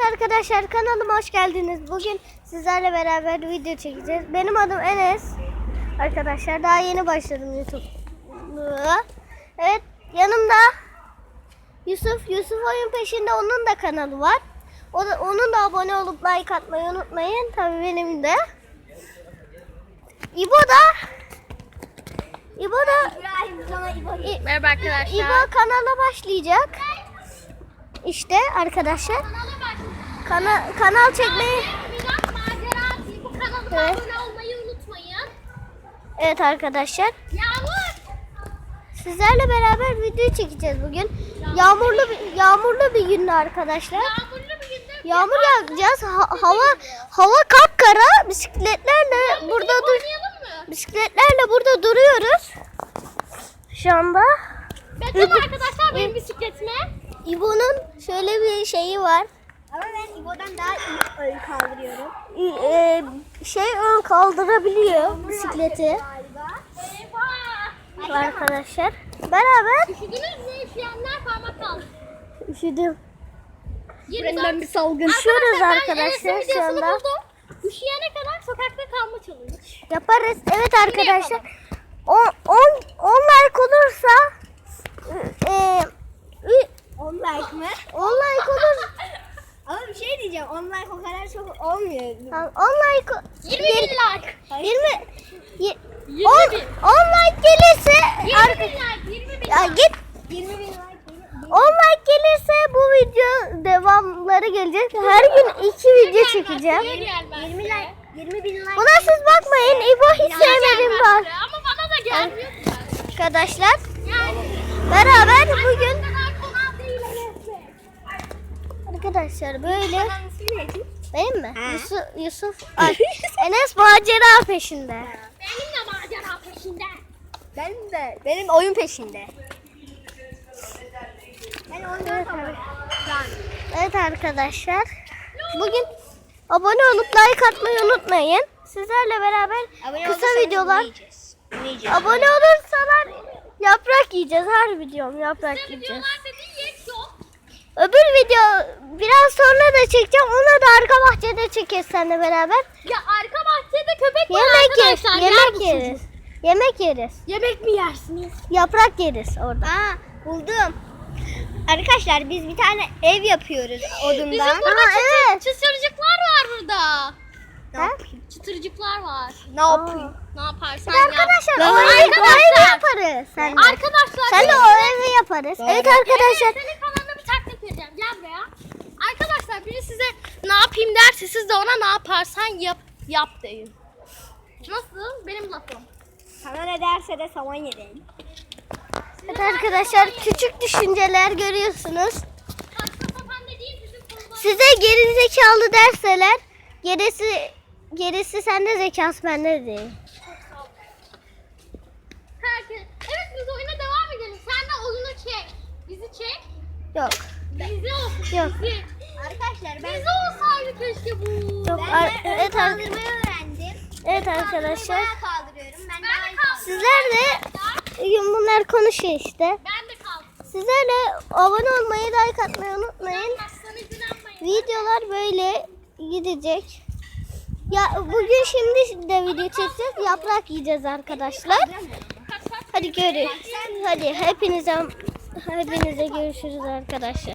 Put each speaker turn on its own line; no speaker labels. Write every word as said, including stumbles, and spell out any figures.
arkadaşlar, kanalıma hoş geldiniz. Bugün sizlerle beraber video çekeceğiz. Benim adım Enes. Arkadaşlar daha yeni başladım YouTube'a. Evet, yanımda Yusuf. Yusuf oyun peşinde, onun da kanalı var. O da, onun da abone olup like atmayı unutmayın. Tabii benim de. İbo da İbo da İ-
Merhaba arkadaşlar.
İbo kanala başlayacak. İşte arkadaşlar. Kana, kanal çekmeyi.
Biraz macera bu kanalıma
Evet.
abone olmayı unutmayın.
Evet arkadaşlar.
Yağmur.
Sizlerle beraber video çekeceğiz bugün. Yağmurlu bir, yağmurlu bir gündü arkadaşlar.
Yağmurlu bir günde.
Yağmur yağacağız. Ha- hava hava kapkara. Bisikletlerle burada dur.
Oynayalım mı?
Bisikletlerle burada duruyoruz. Şu anda.
Bakın arkadaşlar benim bisikletime.
İbo'nun şöyle bir şeyi var.
Ama ben İbo'dan daha iyi ön kaldırıyorum.
İ- e, şey ön kaldırabiliyor bisikleti
Galiba.
Eyvah.
arkadaşlar. Beraber
Üşüdünüz mü? Üşüyenler parmak kaldı.
üşüdüm.
yirmi dört.
bir salgın.
Üşüyoruz
ben
arkadaşlar
Enes'in
şu
videosunu
anda.
buldum. Üşüyene kadar sokakta kalma challenge.
Yaparız. Evet arkadaşlar. on like olursa e,
on like mı?
on like olur.
Ama bir şey diyeceğim. on like o kadar çok olmuyor.
on like
yirmi bin like.
yirmi
yirmi
on,
bin.
on like gelirse
yirmi
arka-
bin like. yirmi bin
ya
like.
git
yirmi bin like.
on like gelirse bu video devamları gelecek. Her gün iki video çekeceğim.
yirmi like.
yirmi bin like.
Buna siz bakmayın. İbo hiç sevmedim var.
Ama bana da gelmiyor.
Arkadaşlar
Yani.
beraber bugün
kadar kolay değil Enes'le.
arkadaşlar böyle
Kanalın ismi neydi?
benim mi?
Ha.
Yusuf, Yusuf Ay, Enes macera peşinde.
Benim de macera peşinde.
Benim de. Benim oyun peşinde. Ben oynuyorum ama.
Evet arkadaşlar. Bugün abone olup like atmayı unutmayın. Sizlerle beraber
Abone
kısa
olursanız
videolar.
yiyeceğiz. Yiyeceğiz.
Abone olursalar yaprak yiyeceğiz. Her videom yaprak yiyeceğiz.
Videolar dediğin yet yok.
Öbür video biraz sonra da çekeceğim. Onu da arka bahçede çekeriz seninle beraber.
Ya arka bahçede köpek var
Yemek yeriz.
arkadaşlar. yer
Yemek
misiniz?
yeriz. Yemek yeriz.
Yemek mi yersiniz?
Yaprak yeriz orada.
Aa, buldum. Arkadaşlar biz bir tane ev yapıyoruz odundan.
Bizim burada
Aa,
çıtır,
evet.
çıtırcıklar var burada.
Ne
Ha?
yapayım?
Çıtırcıklar var.
Ne yapayım?
Ne yaparsan
Bir de
yap.
arkadaşlar
Ben
o evi, o evi
arkadaşlar.
yaparız. Sen de.
Arkadaşlar.
Sen de
benim-
o evi yaparız.
Doğru.
Evet arkadaşlar.
Evet, senin kanalına bir taktik vereceğim. Gel buraya. Arkadaşlar biri size ne yapayım derse siz de ona ne yaparsan yap yap deyin. Nasıl? Benim lafım.
Sana ne derse de saman yedim.
Evet arkadaşlar küçük düşünceler görüyorsunuz.
Saçma sapan dediğim bizim konuda.
Size geri zekalı derseler gerisi gerisi sende zekası bende değil.
Herkes. Evet biz oyuna devam edelim. Sen de oyunu çek. Bizi çek.
Yok.
Bizi olsun.
Yok.
Bizi.
Arkadaşlar ben,
Bizi olsaydı keşke bu.
Yok.
ben
ar-
de ön
evet, ar-
kaldırmayı öğrendim.
evet
Kaldırmayı
arkadaşlar.
bayağı kaldırıyorum. Ben,
Ben
daha
de
iyi
kaldım.
Sizler de bugün bunlar konuşuyor işte.
Ben de kaldım.
Sizlerle abone olmayı, like atmayı unutmayın.
Aslan izlenmeyin.
Videolar böyle gidecek. Ya bugün şimdi de video çekeceğiz. Yaprak yiyeceğiz arkadaşlar. Hadi görüşürüz. Hadi hepinize hepinize görüşürüz arkadaşlar.